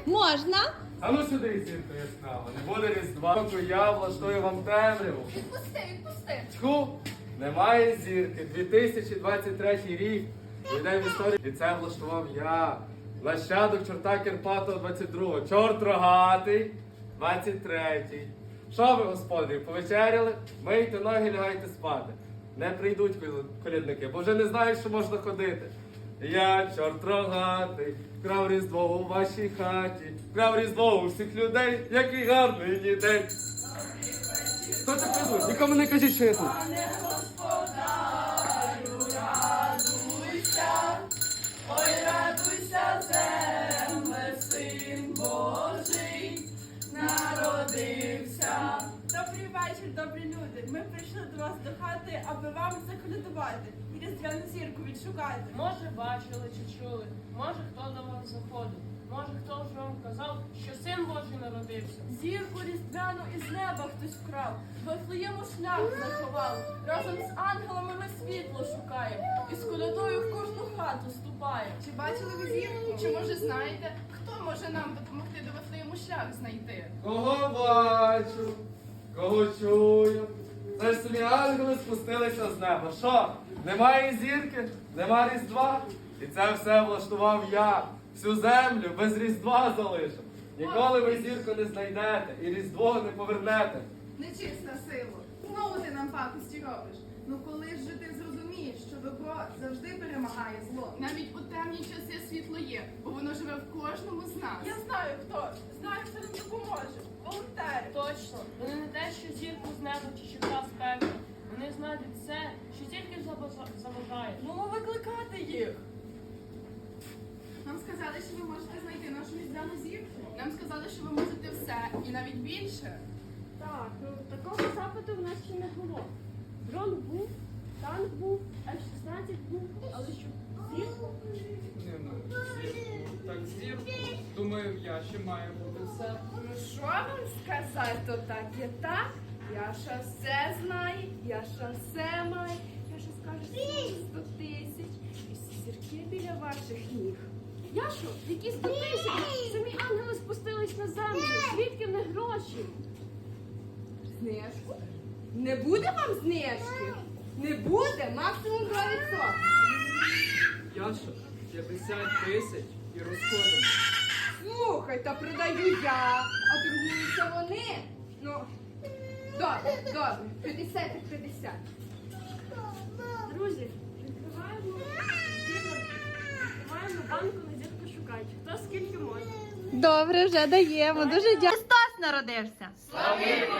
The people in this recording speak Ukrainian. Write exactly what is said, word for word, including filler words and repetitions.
Можна? А ну сюди, зірка ясна, не буде різдва, поки я влаштую вам темряву. Відпусти, відпусти. Тьху, немає зірки. дві тисячі двадцять третій рік. Війде в історію. І це влаштував я. Нащадок чорта Кирпатого двадцять другого. Чорт рогатий двадцять третій. Що ви, господарі, повечеряли? Мийте ноги, лягайте спати. Не прийдуть колядники, бо вже не знають, що можна ходити. Я, чорт рогатий, крав різдво у вашій хаті, крав різдво у всіх людей, який гарний день. Хто це придуть? Нікому не кажіть, що я тут. Пане господарю, радуйся, ой, радуйся, земле, син Божий народився. Добрий вечір, добрі люди. Ми прийшли до вас до хати, аби вам заколядувати і різдвяну зірку відшукати. Може, бачили чи чули, може, хто до вас заходив, може, хто вже вам казав, що син Божий народився. Зірку різдвяну із неба хтось вкрав, в Вифлеєму шлях заховав. Разом з ангелами ми світло шукаємо і з колядою в кожну хату ступаємо. Чи бачили ви зірку? Чи може знаєте, хто може нам допомогти до Вифлеєму шлях знайти? Кого бачу, кого чую. Це ж самі ангели спустилися з неба. Що? Немає зірки, нема різдва. І це все влаштував я. Всю землю без різдва залишив. Ніколи ви зірку не знайдете і різдво не повернете. Нечисна сила. Знову ти нам пакості робиш. Ну коли ж же ти зрозумієш, що добро завжди перемагає зло? Навіть у темні часи світло є, бо воно живе в кожному з нас. Я знаю хто, знаю, хто нам допоможе. Волонтери. Точно, вони не те, що зірку з неба чи щита з пекла. Вони знають все, що тільки забажа- забажаєш. Ну, викликати їх. Нам сказали, що ви можете знайти нашу різдвяну зірку. Нам сказали, що ви можете все і навіть більше. Так, ну такого запиту в нас ще не було. Дрон був, танк був, еф шістнадцять був, але що зірку? Не, ну, зірку, так зірку. Думаю, я ще має бути все. Ну що вам сказати, то так є так. Яша все знає, Яша все має. Яша скаже сто тисяч. І всі зірки біля ваших ніг. Яшо, які сто тисяч? Самі ангели спустились на землю. Звідки в них гроші? Знижку? Не буде вам знижки? Не буде, максимум два відсотки. Яша, п'ятдесят тисяч і розходимо. Слухай, та продаю я, а торгуються вони. Ну, добре, добре, п'ятдесят і п'ятдесят. Друзі, відкриваємо зірку, відкриваємо банку на зірку шукач. Хто скільки може. Добре, вже даємо. Дуже дякую. Христос народився. Славімо